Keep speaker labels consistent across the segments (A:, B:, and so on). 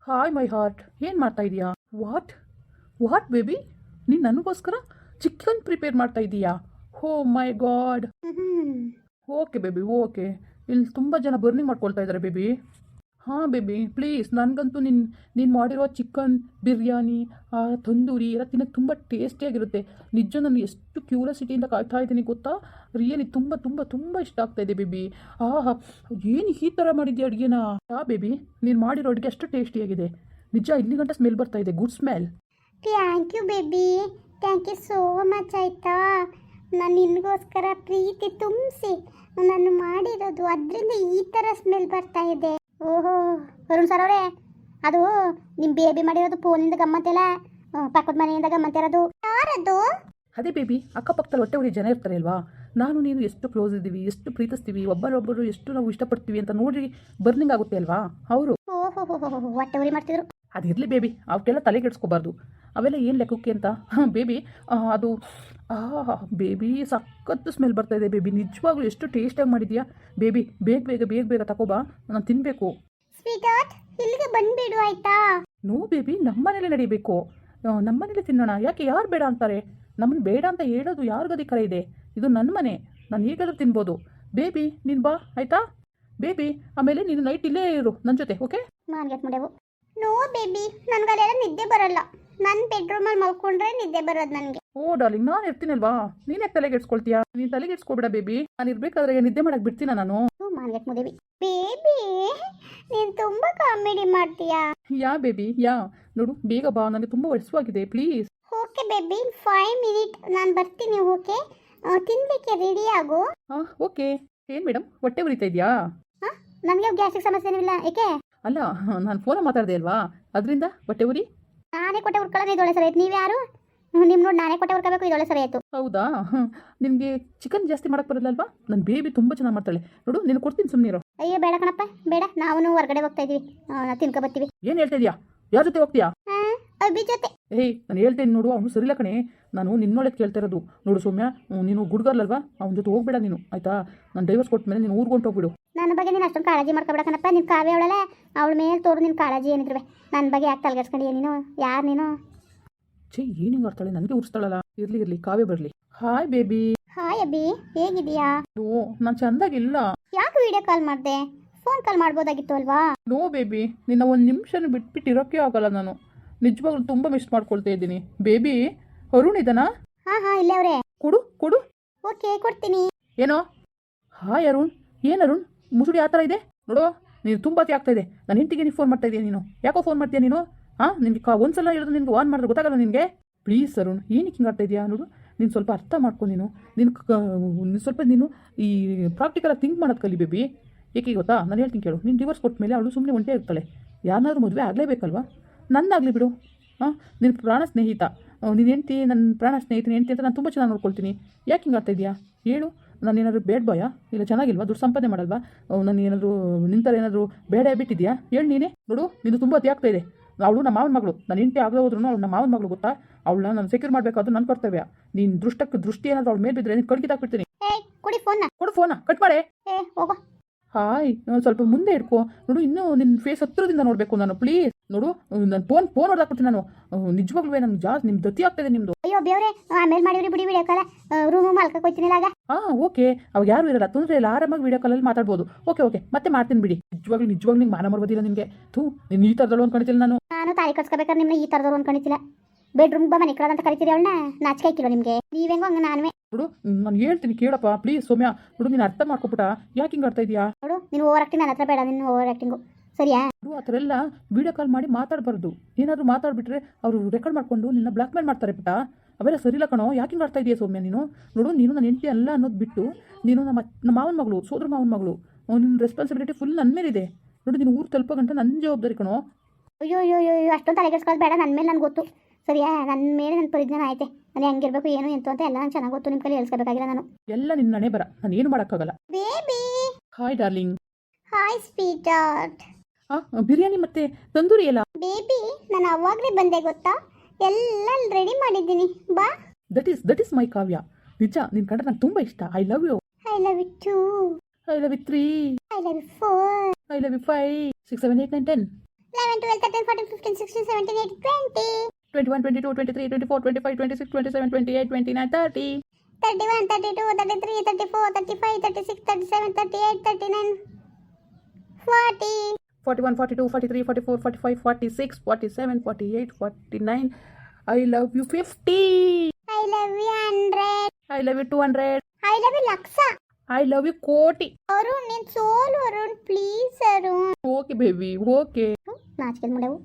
A: Hi my heart, ಏನು ಮಾಡ್ತಾ ಇದೀಯಾ? ವಾಟ್ ವಾಟ್ ಬೇಬಿ, ನೀನು ನನಗೋಸ್ಕರ ಚಿಕನ್ ಪ್ರಿಪೇರ್ ಮಾಡ್ತಾ ಇದೀಯಾ? Oh my god. Okay baby, okay. ಇಲ್ಲಿ ತುಂಬ ಜನ ಬರ್ನಿಂಗ್ ಮಾಡ್ಕೊಳ್ತಾ ಇದ್ದಾರೆ ಬೇಬಿ. ಹಾಂ ಬೇಬಿ, ಪ್ಲೀಸ್ ನನಗಂತೂ ನೀನು ಮಾಡಿರೋ ಚಿಕನ್ ಬಿರಿಯಾನಿ, ತಂದೂರಿ ಎಲ್ಲ ತಿನ್ನೋಕ್ಕೆ ತುಂಬ ಟೇಸ್ಟಿಯಾಗಿರುತ್ತೆ. ನಿಜ ನಾನು ಎಷ್ಟು ಕ್ಯೂರಿಯಾಸಿಟಿಯಿಂದ ಕಾಯ್ತಾ ಇದ್ದೀನಿ ಗೊತ್ತಾ. ರಿಯಲಿ ತುಂಬ ತುಂಬ ತುಂಬ ಇಷ್ಟ ಆಗ್ತಾ ಇದೆ ಬೇಬಿ. ಆಹಾ, ಏನು ಈ ಥರ ಮಾಡಿದ್ಯಾ ಅಡುಗೆನ? ಬೇಬಿ, ನೀನು ಮಾಡಿರೋ ಅಡುಗೆ ಅಷ್ಟು ಟೇಸ್ಟಿಯಾಗಿದೆ. ನಿಜ ಇಲ್ಲಿ ಗಂಟ ಸ್ಮೆಲ್ ಬರ್ತಾ ಇದೆ, good smell.
B: Thank you baby, thank you so much. ಆಯಿತಾ, ನಾನು ನಿನಗೋಸ್ಕರ ಪ್ರೀತಿ ತುಂಬಿಸಿ ನಾನು ಮಾಡಿರೋದು, ಅದರಿಂದ ಈ ಥರ ಸ್ಮೆಲ್ ಬರ್ತಾ ಇದೆ. ಓಹೋ ವರುಣ್ ಸರ್ ಅವರೇ, ಅದು ನಿಮ್ಮ ಬೇಬಿ ಮಾಡಿರೋದು ಫೋನಿಂದ ಗಮ್ಮತ್ತೆಲ್ಲ, ಪಕ್ಕದ ಮನೆಯಿಂದ ಗಮ್ಮತ್ತಿರೋದು. ಯಾರದು?
A: ಅದೇ ಬೇಬಿ, ಅಕ್ಕಪಕ್ಕದಲ್ಲಿ ಹೊಟ್ಟೆ ಉರಿ ಜನ ಇರ್ತಾರೆ ಅಲ್ವಾ. ನಾನು ನೀನು ಎಷ್ಟು ಕ್ಲೋಸ್ ಇದ್ದೀವಿ, ಎಷ್ಟು ಪ್ರೀತಿಸ್ತೀವಿ, ಒಬ್ಬರೊಬ್ಬರು ಎಷ್ಟು ನಾವು ಇಷ್ಟಪಡ್ತೀವಿ ಅಂತ ನೋಡಿ ಬರ್ನಿಂಗ್ ಆಗುತ್ತೆ ಅಲ್ವಾ, ಅವರು.
B: ಓಹೋ ಹೊಟ್ಟೆ ಉರಿ ಮಾಡ್ತಿದ್ರು.
A: ಅದಿರಲಿ ಬೇಬಿ, ಅವಕ್ಕೆಲ್ಲ ತಲೆಗೆಡ್ಸ್ಕೋಬಾರ್ದು. ಅವೆಲ್ಲ ಏನು ಲೆಕ್ಕಕ್ಕೆ ಅಂತ. ಹಾಂ ಬೇಬಿ, ಅದು ಬೇಬಿ ಸಖತ್ತು ಸ್ಮೆಲ್ ಬರ್ತಾ ಇದೆ ಬೇಬಿ. ನಿಜವಾಗ್ಲೂ ಎಷ್ಟು ಟೇಸ್ಟಾಗಿ ಮಾಡಿದ್ಯಾ ಬೇಬಿ. ಬೇಗ ಬೇಗ ಬೇಗ ಬೇಗ ತಗೋಬಾ, ನಾನು ತಿನ್ನಬೇಕು.
B: ಸ್ವೀಟಾರ್ಟ್, ಇಲ್ಲಿಗೆ ಬಂದುಬಿಡು ಆಯಿತಾ?
A: ನೋ ಬೇಬಿ, ನಮ್ಮನೇಲೆ ನಡಿಬೇಕು, ನಮ್ಮನೇಲೆ ತಿನ್ನೋಣ. ಯಾಕೆ ಯಾರು ಬೇಡ ಅಂತಾರೆ? ನಮ್ಮನ್ನು ಬೇಡ ಅಂತ ಹೇಳೋದು ಯಾರಿಗಧಿಕಾರ ಇದೆ? ಇದು ನನ್ನ ಮನೆ, ನಾನು ಹೇಗಾದ್ರೂ ತಿನ್ಬೋದು. ಬೇಬಿ ನೀನು ಬಾ ಆಯಿತಾ ಬೇಬಿ. ಆಮೇಲೆ ನೀನು ನೈಟ್ ಇಲ್ಲೇ ಇರು ನನ್ನ ಜೊತೆ, ಓಕೆ?
B: ಮಾನ್ಗೆಟ್ ಮುಡೆವು. ನೋ ಬೇಬಿ, ನನಗಲ್ಲೆಲ್ಲ ನಿದ್ದೆ ಬರಲ್ಲ. ನನ್ನ ಬೆಡ್ರೂಮಲ್ಲಿ ಮಲ್ಕೊಂಡ್ರೆ ನಿದ್ದೆ ಬರೋದು ನನಗೆ.
A: ಓ ಡಾರ್ಲಿಂಗ್, ನಾನು ಇರ್ತೀನಲ್ವಾ, ನೀನೇ ತಲೆಗೆಡ್ಸ್ಕೊಳ್ತೀಯಾ? ನೀನು ತಲೆಗೆಡ್ಸ್ಕೊಬೇಡ ಬೇಬಿ. ನಾನು ಇರ್ಬೇಕಾದ್ರೆ ನಿದ್ದೆ ಮಾಡಕ್ಕೆ ಬಿಡ್ತೀನ ನಾನು?
B: ಮಾನ್ಗೆಟ್ ಮುದೇವಿ. ಬೇಬಿ, ನೀನು ತುಂಬ ಕಾಮಿಡಿ ಮಾಡ್ತೀಯಾ.
A: ಯಾ ಬೇಬಿ ಯಾ, ನೋಡು ಬೇಗ ಬಾ, ನನಗೆ ತುಂಬ ವರ್ಷವಾಗಿದೆ, ಪ್ಲೀಸ್.
B: ಓಕೆ ಬೇಬಿ, 5 ಮಿನಿಟ್ ನಾನು ಬರ್ತೀನಿ. ಓಕೆ, ತಿನ್ಲಿಕ್ಕೆ ರೆಡಿ ಆಗು.
A: ಹಾಂ ಓಕೆ. ಏನು ಮೇಡಮ್, ಹೊಟ್ಟೆ ಉರಿತಾ ಇದೆಯಾ?
B: ಹಾಂ, ನನಗೆ ಗ್ಯಾಸ್ಟ್ರಿಕ್ ಸಮಸ್ಯೆ ಏನಿಲ್ಲ. ಏಕೆ?
A: ಅಲ್ಲ, ನಾನು ಫೋನ ಮಾತಾಡಿದೆ ಅಲ್ವಾ, ಅದರಿಂದ ಹೊಟ್ಟೆ ಉರಿ.
B: ನಾನೇ ಕೊಟ್ಟೆ ಉರ್ಕೊಳ್ಳೋದು ಇದೊಳೆ ಸರಿ ಆಯ್ತು. ನೀವು ಯಾರು? ನಿಮ್ಮ ನೋಡಿ ನಾನೇ ಕೊಟ್ಟೆ ಉರ್ಕೋಬೇಕು, ಇದೊಳೆ ಸರಿ ಆಯಿತು.
A: ಹೌದಾ? ನಿನಗೆ ಚಿಕನ್ ಜಾಸ್ತಿ ಮಾಡಕ್ಕೆ ಬರಲ್ಲಲ್ವಾ? ನನ್ನ ಬೇಬಿ ತುಂಬ ಚೆನ್ನಾಗಿ ಮಾಡ್ತಾಳೆ ನೋಡು, ನೀನು ಕೊಡ್ತೀನಿ, ಸುಮ್ಮನಿರು.
B: ಅಯ್ಯೋ ಬೇಡ ಕಣಪ್ಪ, ಬೇಡ. ನಾವು ಹೊರಗಡೆ ಹೋಗ್ತಾ ಇದೀವಿ, ತಿನ್ಕೊ ಬರ್ತೀವಿ.
A: ಏನು ಹೇಳ್ತಾ ಇದೀಯಾ? ಯಾರ ಜೊತೆ ಹೋಗ್ತೀಯಾ?
B: ಅಭಿ ಜೊತೆ.
A: ಏಯ್, ನಾನು ಹೇಳ್ತೇನೆ ನೋಡು, ಅವನು ಸರಿಲ್ಲ ಕಣೆ. ನಾನು ನಿನ್ನೊಳಗೆ ಕೇಳ್ತಾ ಇರೋದು. ನೋಡು ಸೌಮ್ಯ, ನೀನು ಗುಡ್ಗರ್ಲಲ್ವಾ, ಅವನ ಜೊತೆ ಹೋಗ್ಬೇಡ ನೀನು, ಆಯಿತಾ? ನಾನು ಡೈವರ್ಸ್ ಕೊಟ್ಟ ಮೇಲೆ ನೀನು ಊರ್ಗೊಂಡು ಹೋಗ್ಬಿಡು.
B: ನನ್ನ ಬಗ್ಗೆ ನೀನು ಅಷ್ಟೊಂದು ಕಾಳಜಿ ಮಾಡ್ಕೊಬೇಡಕನಪ್ಪ. ನಿನ್ನ ಕಾವ್ಯ ಅವಳಲ್ಲ, ಅವಳ ಮೇಲೆ ತೋರು ನಿನ್ನ ಕಾಳಜಿ ಏನಿದ್ರುವೆ. ನನ್ನ ಬಗ್ಗೆ ಯಾಕೆ ತಲೆಗೆಡ್ಸ್ಕೊಂಡಿಯ ನೀನು? ಯಾರು ನೀನು?
A: ಛೇ, ಏನು ಹಿಂಗೆ ಆಡ್ತಾಳೆ, ನನಗೆ ಉರ್ಸ್ತಾಳಲ್ಲ. ಇರಲಿ ಇರಲಿ, ಕಾವ್ಯ ಬರಲಿ. Hi baby.
B: ಹಾಯ್ ಅಭಿ, ಹೇಗಿದೀಯಾ?
A: ಓ, ನಾನು ಚೆಂದಾಗಿಲ್ಲ.
B: ಯಾಕೆ ವಿಡಿಯೋ ಕಾಲ್ ಮಾಡಿದೆ? ಫೋನ್ ಕಾಲ್ ಮಾಡ್ಬೋದಾಗಿತ್ತು ಅಲ್ವಾ?
A: ನೋ ಬೇಬಿ, ನಿನ್ನ ಒಂದು ನಿಮಿಷನೂ ಬಿಟ್ಬಿಟ್ಟು ಇರೋಕ್ಕೆ ಆಗಲ್ಲ ನಾನು. ನಿಜವಾಗ್ಲೂ ತುಂಬ ಮಿಸ್ ಮಾಡ್ಕೊಳ್ತಾ ಇದ್ದೀನಿ ಬೇಬಿ. ಅರುಣ್ ಇದನಾ?
B: ಹಾಂ ಇಲ್ಲೇ ಅವರೇ.
A: ಕೊಡು ಕೊಡು.
B: ಓಕೆ, ಕೊಡ್ತೀನಿ.
A: ಏನೋ? ಹಾಯ್ ಅರುಣ್. ಏನು ಅರುಣ್, ಮುಸುಡಿ ಆ ಥರ ಇದೆ ನೋಡು. ನೀನು ತುಂಬ ಅತಿ ಆಗ್ತಾ ಇದೆ. ನನ್ನ ಹೆಂಡತಿಗೆ ನೀವು ಫೋನ್ ಮಾಡ್ತಾ ಇದೀಯ ನೀನು. ಯಾಕೋ ಫೋನ್ ಮಾಡ್ತೀಯ ನೀನು? ಹಾಂ, ನಿನಗೆ ಒಂದ್ಸಲ ಹೇಳಿದ್ರು ನಿನ್ಗೆ ಆನ್ ಮಾಡಿದ್ರೆ ಗೊತ್ತಾಗಲ್ಲ ನಿನಗೆ? ಪ್ಲೀಸ್ ಅರುಣ್, ಏನಕ್ಕೆ ಹಿಂಗೆ ಆಡ್ತಾ ಇದೆಯಾ ನೋಡು. ನೀನು ಸ್ವಲ್ಪ ಅರ್ಥ ಮಾಡ್ಕೊ. ನೀನು ಸ್ವಲ್ಪ ಈ ಪ್ರಾಕ್ಟಿಕಲಾಗಿ ಥಿಂಕ್ ಮಾಡೋದು ಕಲಿ ಬೇಬಿ. ಏಕೆ ಗೊತ್ತಾ, ನಾನು ಹೇಳ್ತೀನಿ ಕೇಳು. ನೀನು ಡಿವೋರ್ಸ್ ಕೊಟ್ಟ ಮೇಲೆ ಅವಳು ಸುಮ್ಮನೆ ಒಂಟೇ ಇರ್ತಾಳೆ. ಯಾರನ್ನಾದ್ರೂ ಮದುವೆ ಆಗಲೇಬೇಕಲ್ವಾ? ನಂದಾಗಲಿ ಬಿಡು. ಹಾಂ, ನಿನ್ನ ಪ್ರಾಣ ಸ್ನೇಹಿತ, ನೀನು ಹೆಂಡ್ತಿ, ನನ್ನ ಪ್ರಾಣ ಸ್ನೇಹಿತನ ಹೆಂಡ್ತಿ ಅಂತ ನಾನು ತುಂಬ ಚೆನ್ನಾಗಿ ನೋಡ್ಕೊಳ್ತೀನಿ. ಯಾಕೆ ಹಿಂಗೆ ಆಗ್ತಾ ಇದೆಯಾ ಹೇಳು? ನಾನು ಏನಾದರೂ ಬೇಡ ಬಾಯಾ? ಇಲ್ಲ ಚೆನ್ನಾಗಿಲ್ವಾ? ದುಡ್ಡು ಸಂಪಾದನೆ ಮಾಡಲ್ವಾ? ನಾನು ಏನಾದರೂ ನಿಂತರ ಏನಾದರೂ ಬೇಡ ಬಿಟ್ಟಿದ್ಯಾ? ಹೇಳು ನೀನೇ. ನೋಡು, ನೀನು ತುಂಬ ಅತಿ ಆಗ್ತಾ ಇದೆ. ಅವಳು ನಮ್ಮ ಮಾವನ ಮಗಳು. ನಾನು ಹೆಂಡತಿ ಆಗದೆ ಹೋದ್ರೂ ಅವಳು ನಮ್ಮ ಮಾವನ ಮಗಳು, ಗೊತ್ತಾ? ಅವಳನ್ನ ನಾನು ಸೆಕ್ಯೂರ್ ಮಾಡಬೇಕಾದ್ರು ನನ್ನ ಕರ್ತವ್ಯ. ನೀನು ದೃಷ್ಟಿ ಏನಾದರೂ ಅವಳ ಮೇಲೆ ಬಿದ್ದರೆ ನೀನು ಕಡ್ಕಿದಾಕ್ಬಿಡ್ತೀನಿ.
B: ಕೊಡಿ ಫೋನ್ನ.
A: ಕೊಡು ಫೋನ, ಕಟ್ ಮಾಡೇ.
B: ಹೋಗೋ.
A: ಹಾಯ್, ಸ್ವಲ್ಪ ಮುಂದೆ ಇಡ್ಕೊ ನೋಡು. ಇನ್ನೂ ನಿನ್ನ ಫೇಸ್ ಹತ್ರದಿಂದ ನೋಡಬೇಕು ನಾನು, ಪ್ಲೀಸ್. ನೋಡು, ನಾನು ಫೋನ್ ಹೊಡೆದಾಕ್ಬಿಡ್ತೀನಿ ನಾನು. ನಿಜವಾಗ್ಲೂ ನನಗೆ ಜಾಸ್ತಿ ನಿಮ್ಮ ದತಿ ಆಗ್ತಾಯಿದೆ ನಿಮ್ಮದು.
B: ಅಯ್ಯೋ ಬೇವ್ರೆ, ಆಮೇಲೆ ಮಾಡಿವ್ರಿ ಬಿಡಿ, ವಿಡಿಯೋ ಕಾಲ. ರೂಮು ಮಲ್ಕಕ್ಕೆ ಹೋಗ್ತೀನಿಲ್ಲ ಆಗ.
A: ಹಾಂ ಓಕೆ, ಅವಾಗ ಯಾರು ಇರಲ್ಲ, ತೊಂದರೆ ಇಲ್ಲ, ಆರಾಮಾಗಿ ವಿಡಿಯೋ ಕಾಲಲ್ಲಿ ಮಾತಾಡ್ಬೋದು. ಓಕೆ ಮತ್ತೆ ಮಾಡ್ತೀನಿ ಬಿಡಿ. ನಿಜವಾಗ್ಲೂ ನಿಂಗೆ ಮಾನ ಮಾಡ್ಬೋದಿಲ್ಲ ನಿನಗೆ. ನೀನು ಈ ಥರದಳು ಅಂದ್ಕೊಂಡಿದ್ದಿಲ್ಲ ನಾನು
B: ತಾಳಿ ಕಟ್ಸ್ಕೋಬೇಕಾದ್ರೆ ನಿಮ್ಮನ್ನ ಈ ಥರದವ್ರು ಅಂದ್ಕೊಂಡಿದ್ದಿಲ್ಲ. ಬೆಡ್ರೂಮ್ ಬಾ, ಮನೆ ಕಳದಂತ ಕರಿತೀರಿ ಅವಳನ್ನ. ನಾಚಿಕೆ ಆಯ್ಕಿಲ್ಲ ನಿಮಗೆ? ನೀವೆಂಗೋ ಹಂಗೆ ನಾನುವೆ.
A: ನೋಡು, ನಾನು ಹೇಳ್ತೀನಿ ಕೇಳಪ್ಪ ಪ್ಲೀಸ್ ಸೌಮ್ಯ. ನೋಡು, ನೀನು ಅರ್ಥ ಮಾಡ್ಕೊಬಿಟ್ಟ. ಯಾಕೆ ಹಿಂಗೆ ಆಡ್ತಾ ಇದೆಯಾ?
B: ನೋಡು, ನೀನು ಓವರ್ ಆಕ್ಟಿಂಗ್ ನನ್ನ ಹತ್ರ ಬೇಡ. ನಿನ್ನ ಓವರ್ ಆಕ್ಟಿಂಗು ಸರಿಯಾ?
A: ನೋಡು, ಆ ಥರ ಎಲ್ಲ ವಿಡಿಯೋ ಕಾಲ್ ಮಾಡಿ ಮಾತಾಡಬಾರ್ದು. ಏನಾದರೂ ಮಾತಾಡ್ಬಿಟ್ರೆ ಅವರು ರೆಕಾರ್ಡ್ ಮಾಡ್ಕೊಂಡು ನಿನ್ನ ಬ್ಲಾಕ್ ಮೇಲ್ ಮಾಡ್ತಾರೆ ಬಿಟ್ಟ. ಅವೆಲ್ಲ ಸರಿಲ್ಲ ಕಣೋ. ಯಾಕೆ ಹಿಂಗೆ ಆಡ್ತಾ ಇದೆಯಾ ಸೌಮ್ಯ ನೀನು? ನೋಡು, ನೀನು ನನ್ನ ಹೆಂಡತಿ ಅಲ್ಲ ಅನ್ನೋದು ಬಿಟ್ಟು ನೀನು ನಮ್ಮ ಮಾವನ ಮಗಳು, ಸೋದರ ಮಾವನ ಮಗಳು. ನಿನ್ನ ರೆಸ್ಪಾನ್ಸಿಬಿಲಿಟಿ ಫುಲ್ ನನ್ನ ಮೇಲಿದೆ. ನೋಡು, ನೀನು ಊರು ತಲುಪೋ ಗಂಟ ನನ್ನ ಜವಾಬ್ದಾರಿ ಕಣೋ.
B: ಅಯ್ಯೋ ಅಷ್ಟೊಂದು ತಲೆಗೆಡ್ಸ್ಕೊಳ್ಳೋದು ಬೇಡ. ನನ್ನ ಮೇಲೆ ನನಗೆ ಗೊತ್ತು ಸರಿಯಾ? ನನ್ನ ಮೇಲೆ ನನ್ನ ಪರಿಜ್ಞಾನ ಐತೆ. ನಾನು ಹೆಂಗಿರ್ಬೇಕು ಏನು ಎಂತ ಅಂತ ಎಲ್ಲ ನಂಗೆ ಚೆನ್ನಾಗಿ ಗೊತ್ತು. ನಿಮ್ಮ ಕೈಲಿ ಹೇಳ್ಸ್ಕೋಬೇಕಾಗಿಲ್ಲ ನಾನು.
A: ಎಲ್ಲ ನಿನ್ನ ಹಣೆ ಬರ, ನಾನು ಏನು ಮಾಡೋಕ್ಕಾಗಲ್ಲ.
B: Baby.
A: Hi darling.
B: Hi sweetheart.
A: Biryani ಮತ್ತೆ ತಂದೂರಿ ಎಲ್ಲ?
B: ಬೇಬಿ, ನಾನು ಅವಾಗಲೇ ಬಂದೆ ಗೊತ್ತಾ? ಎಲ್ಲ ರೆಡಿ ಮಾಡಿದ್ದೀನಿ, ಬಾ.
A: That is my Kavya. ನಿಜ, ನಿನ್ನ ಕಂಡ್ರೆ ನಂಗೆ ತುಂಬ ಇಷ್ಟ. I love you.
B: I love you too.
A: I love you 3.
B: I love you 4.
A: I love you 5, 6, 7, 8, 9, 10.
B: 11, 12, 13, 14, 15, 16, 17, 18, 20.
A: 21, 22, 23, 24, 25, 26, 27, 28, 29, 30.
B: 31, 32, 33, 34, 35, 36, 37, 38, 39, 40.
A: 41, 42, 43, 44, 45, 46, 47, 48, 49. I love you 50.
B: I love you 100.
A: I love you 200.
B: I love you lakh.
A: I love you koti.
B: Arun ನೀನ್ ಸೋಲು Arun please Arun.
A: Okay baby okay.
B: ನಾಚಿಕೆ ಮಾಡವು.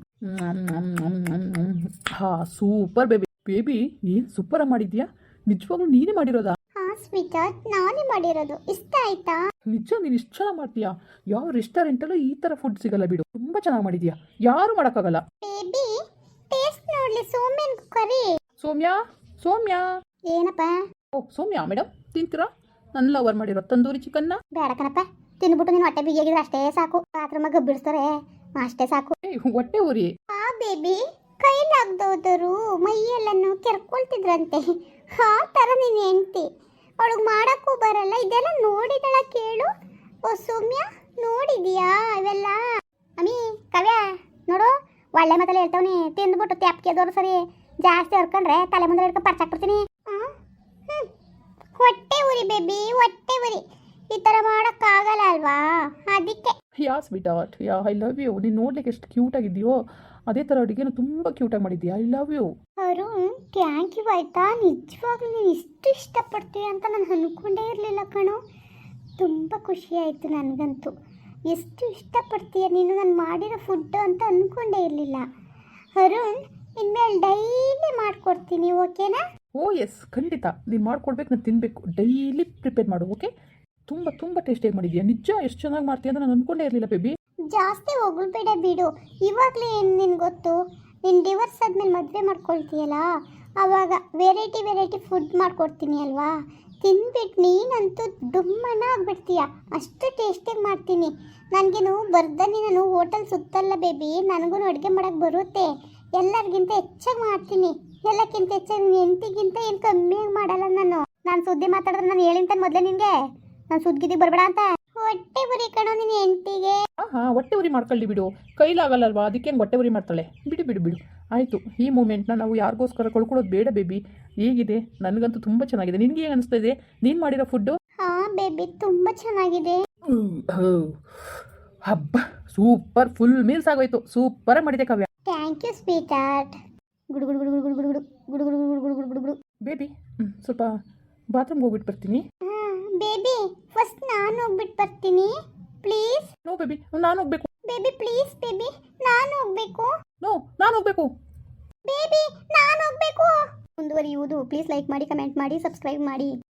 A: ಹಾ super baby. Baby ಏನು super ಮಾಡಿದ್ಯಾ, ನಿಜವಾಗ್ಲೂ ನೀನೇ ಮಾಡಿರೋದಾ?
B: ಹಾ ಸ್ವೀಟ್ ಹಾರ್ಟ್ ನಾನೇ ಮಾಡಿರೋದು, ಇಷ್ಟ ಆಯ್ತಾ?
A: ನಿಜ ನೀನು ಇಷ್ಟು ಚೆನ್ನಾಗಿ ಮಾಡ್ತೀಯಾ, ಯಾವ ರೆಸ್ಟೋರೆಂಟಲ್ಲೂ ಈ ಥರ ಫುಡ್ ಸಿಗಲ್ಲ ಬಿಡು, ತುಂಬ ಚೆನ್ನಾಗಿ ಮಾಡಿದ್ಯಾ, ಯಾರು ಮಾಡೋಕ್ಕಾಗಲ್ಲ.
B: ಬೇಬಿ ಟೇಸ್ಟ್ ನೋಡ್ಲಿ, ಸೌಮ್ಯನ್ ಕರಿ.
A: ಸೌಮ್ಯ ಸೌಮ್ಯ.
B: ಏನಪ್ಪ?
A: ಓ ಸೌಮ್ಯ ಮೇಡಮ್ ತಿಂತೀರಾ ನನ್ನ ಲವರ್ ಮಾಡಿರೋ ತಂದೂರಿ ಚಿಕನ್ನ?
B: ಬೇಡ ಕಣಪ್ಪ, ತಿನ್ಬಿಟ್ಟು ನೀನು ಹೊಟ್ಟೆ ಬಿಗಿಯಾಗಿದ್ರೆ ಅಷ್ಟೇ ಸಾಕು, ಬಾತ್ರೂಮ್ ಗಬ್ಬಿಡಿಸ್ತಾರೆ ಅಷ್ಟೇ ಸಾಕು.
A: ಹೊಟ್ಟೆ ಉರಿ.
B: ಆ ಬೇಬಿ ಕೈಲಾಗ್ದೋದರು ಮೈಯೆಲ್ಲನ್ನು ಕೆರ್ಕೊಳ್ತಿದ್ರಂತೆ, ಆ ಥರ ನೀನು ಹೆಂಡ್ತಿ, ಅವಳಿಗೆ ಮಾಡೋಕ್ಕೂ ಬರಲ್ಲ, ಇದೆಲ್ಲ ನೋಡಿದಳ ಕೇಳು. ಓ ಸೌಮ್ಯ ನೋಡಿದೀಯಾ ಇವೆಲ್ಲ? ಅಮ್ಮಿ ಕವ್ಯ ನೋಡು, ಒಳ್ಳೆ ಮಾತಲ್ಲಿ ಹೇಳ್ತಾವನಿ, ತಿಂದ್ಬಿಟ್ಟು ತ್ಯಾಪ್ಕೆದವ್ರು ಸರಿ, ಜಾಸ್ತಿ ಹೊರ್ಕೊಂಡ್ರೆ ತಲೆ ಮುಂದೆ ಹಿಡ್ಕೊಂಡು ಪರ್ಚಾಕ್ಬಿಡ್ತೀನಿ. ಹೊಟ್ಟೆ ಉರಿ ಬೇಬಿ, ಹೊಟ್ಟೆ ಉರಿ, ಈ ಥರ ಮಾಡೋಕ್ಕಾಗಲ್ಲ ಅಲ್ವಾ, ಅದಕ್ಕೆ.
A: Yeah sweetheart, yeah I love you. ನೀನು ನೋಡ್ಲಿಕ್ಕೆ ಎಷ್ಟು ಕ್ಯೂಟ್ ಆಗಿದೆಯೋ ಅದೇ ಥರ ಅಡುಗೆನೂ ತುಂಬ ಕ್ಯೂಟಾಗಿ ಮಾಡಿದ್ಯಾ. I love you.
B: Arun thank you ಆಯಿತಾ, ನಿಜವಾಗ್ಲೂ ನೀನು ಇಷ್ಟು ಇಷ್ಟಪಡ್ತೀಯ ಅಂತ ನಾನು ಅಂದ್ಕೊಂಡೇ ಇರಲಿಲ್ಲ ಕಣೋ, ತುಂಬ ಖುಷಿ ಆಯಿತು ನನಗಂತೂ. ಎಷ್ಟು ಇಷ್ಟಪಡ್ತೀಯ ನೀನು ನಾನು ಮಾಡಿರೋ ಫುಡ್ಡು ಅಂತ ಅಂದ್ಕೊಂಡೇ ಇರಲಿಲ್ಲ. ಅರುಣ್ ಇನ್ಮೇಲೆ ಡೈಲಿ ಮಾಡಿಕೊಡ್ತೀನಿ, ಓಕೆನಾ?
A: ಓ ಎಸ್ ಖಂಡಿತ, ನೀನು ಮಾಡ್ಕೊಡ್ಬೇಕು, ನಾನು ತಿನ್ನಬೇಕು, ಡೈಲಿ ಪ್ರಿಪೇರ್ ಮಾಡು ಓಕೆ. ತುಂಬ ತುಂಬ ಟೇಸ್ಟಿಯಾಗಿ ಮಾಡಿದ್ಯಾ, ನಿಜ ಎಷ್ಟು ಚೆನ್ನಾಗಿ ಮಾಡ್ತೀಯ ಅಂತ ನಾನು ಅಂದ್ಕೊಂಡೇ ಇರಲಿಲ್ಲ ಬೇಬಿ.
B: ಜಾಸ್ತಿ ಹೊಗಳ್ಬೇಡ ಬಿಡು, ಇವಾಗಲೇ ಏನು ನಿನ್ಗೆ ಗೊತ್ತು, ನೀನು ಡಿವೋರ್ಸ್ ಆದಮೇಲೆ ಮದುವೆ ಮಾಡ್ಕೊಳ್ತೀಯಲ್ಲ, ಆವಾಗ ವೆರೈಟಿ ಫುಡ್ ಮಾಡ್ಕೊಡ್ತೀನಿ ಅಲ್ವಾ, ತಿನ್ಬಿಟ್ಟು ನೀನಂತೂ ಡುಮ್ಮನ ಆಗ್ಬಿಡ್ತೀಯ, ಅಷ್ಟು ಟೇಸ್ಟಿಯಾಗಿ ಮಾಡ್ತೀನಿ. ನನಗೇನು ಬರ್ದನಿ, ನಾನು ಹೋಟೆಲ್ ಸುತ್ತಲ್ಲ ಬೇಬಿ, ನನಗೂ ಅಡುಗೆ ಮಾಡೋಕ್ಕೆ ಬರುತ್ತೆ, ಎಲ್ಲರಿಗಿಂತ ಹೆಚ್ಚಾಗಿ ಮಾಡ್ತೀನಿ, ಎಲ್ಲಕ್ಕಿಂತ ಹೆಚ್ಚಾಗಿ ನಿನ್ನ ಹೆಂಡತಿಗಿಂತ ಏನು ಕಮ್ಮಿಯಾಗಿ ಮಾಡಲ್ಲ ನಾನು ಸುದ್ದಿ ಮಾತಾಡಿದ್ರೆ ನಾನು ಹೇಳಿಂತಾನೆ ಮೊದಲೇ ನಿನಗೆ, ನಾನು ಸುದ್ದಿಗೆ ಬರಬೇಡ ಅಂತ. ಹೊಟ್ಟೆ ಉರಿ ಕಣೋ ನಿನ್ನ ಹೆಂಡತಿಗೆ.
A: ಹಾಂ ಹೊಟ್ಟೆ ಉರಿ ಮಾಡ್ಕೊಳ್ಳಿ ಬಿಡು, ಕೈಲಾಗಲ್ಲಲ್ವಾ, ಅದಕ್ಕೇನು ಹೊಟ್ಟೆ ಉರಿ ಮಾಡ್ತಾಳೆ, ಬಿಡು ಬಿಡು ಬಿಡು ಆಯಿತು. ಈ ಮೂಮೆಂಟ್ನ ನಾವು ಯಾರಿಗೋಸ್ಕರ ಕಳ್ಕೊಳ್ಳೋದು ಬೇಡ ಬೇಬಿ. ಹೇಗಿದೆ? ನನಗಂತೂ ತುಂಬ ಚೆನ್ನಾಗಿದೆ. ನಿನಗೆ ಏನು ಅನಿಸ್ತಾ ಇದೆ ನೀನು ಮಾಡಿರೋ ಫುಡ್ಡು?
B: ಹಾಂ ಬೇಬಿ ತುಂಬ ಚೆನ್ನಾಗಿದೆ.
A: ಹಬ್ಬ ಸೂಪರ್, ಫುಲ್ ಮೀಲ್ಸ್ ಆಗೋಯ್ತು, ಸೂಪರಾಗಿ ಮಾಡಿದೆ Kavya.
B: Thank you sweetheart. ಗುಡು ಗುಡು ಗುಡು ಗುಡು ಗುಡು ಗುಡು ಗುಡು ಗುಡು ಗುಡು ಗುಡು ಗುಡು ಗುಡು ಗುಡು.
A: ಬೇಬಿ ಸ್ವಲ್ಪ ಬಾತ್ರೂಮ್ಗೆ ಹೋಗ್ಬಿಟ್ಟು ಬರ್ತೀನಿ.
B: ಹಾಂ ಬೇಬಿ ಫಸ್ಟ್ ನಾನು ಹೋಗ್ಬಿಟ್ಟು ಬರ್ತೀನಿ ಪ್ಲೀಸ್.
A: ನೋ ಬೇಬಿ ನಾನು ಹೋಗ್ಬೇಕು.
B: ಬೇಬಿ ಪ್ಲೀಸ್ ಬೇಬಿ ನಾನು ಹೋಗ್ಬೇಕು.
A: ನೋ ನಾನು ಹೋಗ್ಬೇಕು.
B: ಬೇಬಿ ನಾನು ಹೋಗ್ಬೇಕು. ಮುಂದುವರಿಯುವುದು ಪ್ಲೀಸ್ ಲೈಕ್ ಮಾಡಿ, ಕಮೆಂಟ್ ಮಾಡಿ, ಸಬ್ಸ್ಕ್ರೈಬ್ ಮಾಡಿ.